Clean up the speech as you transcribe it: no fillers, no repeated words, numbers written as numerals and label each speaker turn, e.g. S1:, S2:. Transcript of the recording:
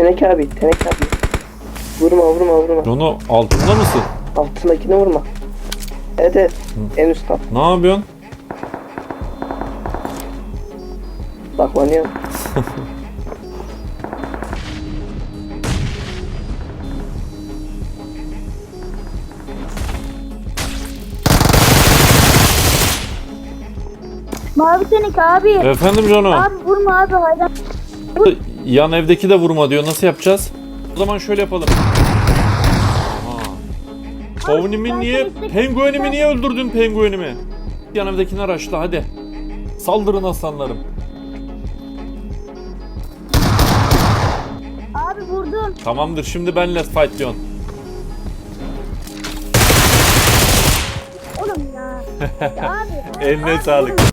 S1: Teneke abi. Vurma.
S2: Jono altında mısın?
S1: Altındakine vurma. Evet. En üstten.
S2: Ne yapıyorsun?
S1: Saklanıyorum.
S3: Mavi Teneke abi.
S2: Efendim Jono.
S3: Abi vurma abi hayran.
S2: Yan evdeki de vurma diyor. Nasıl yapacağız? O zaman şöyle yapalım. Pavnimi niye? Penguenimi niye öldürdün penguenimi? Yan evdekini araçla hadi. Saldırın aslanlarım.
S3: Abi vurdum.
S2: Tamamdır şimdi benle fight diyorsun.
S3: Oğlum ya. Ya abi.
S2: Eline
S3: abi,
S2: sağlık.